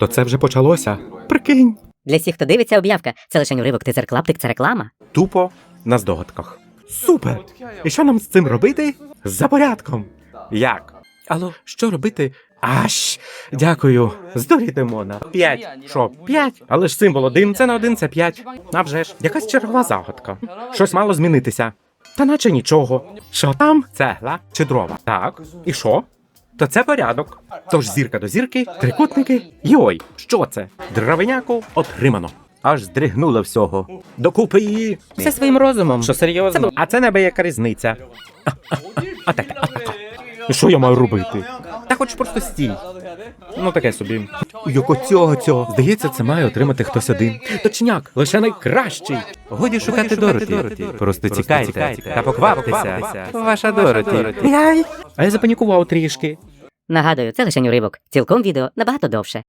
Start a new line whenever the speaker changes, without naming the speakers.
То це вже почалося? Прикинь.
Для всіх, хто дивиться, об'явка. Це лише уривок, тизер клаптик, це реклама.
Тупо на здогадках. Супер! І що нам з цим робити? За порядком. Як? Алло, що робити? Дякую. Здуріти Мона. 5. Що, 5? Але ж символ 1, це не 1, це 5. А вже ж, якась чергова загадка. Щось мало змінитися. Та наче нічого. Що там? Цегла чи дрова? Так. І що? То це порядок. Тож зірка до зірки, трикутники. Йой, що це? Дровиняку отримано. Аж здригнуло всього. Докупи її. Все своїм розумом. Що серйозно? А це небияка різниця. Атака. Що я маю робити? Та хоч просто стій. Ну таке собі. Як цього. Здається, це має отримати хтось один. Точняк, лише найкращий. Годі шукати Дороті. Просто тікайте та покваптеся. Ваша Дороті. А я запанікував трішки.
Нагадую, це лише уривок. Цілком відео набагато довше.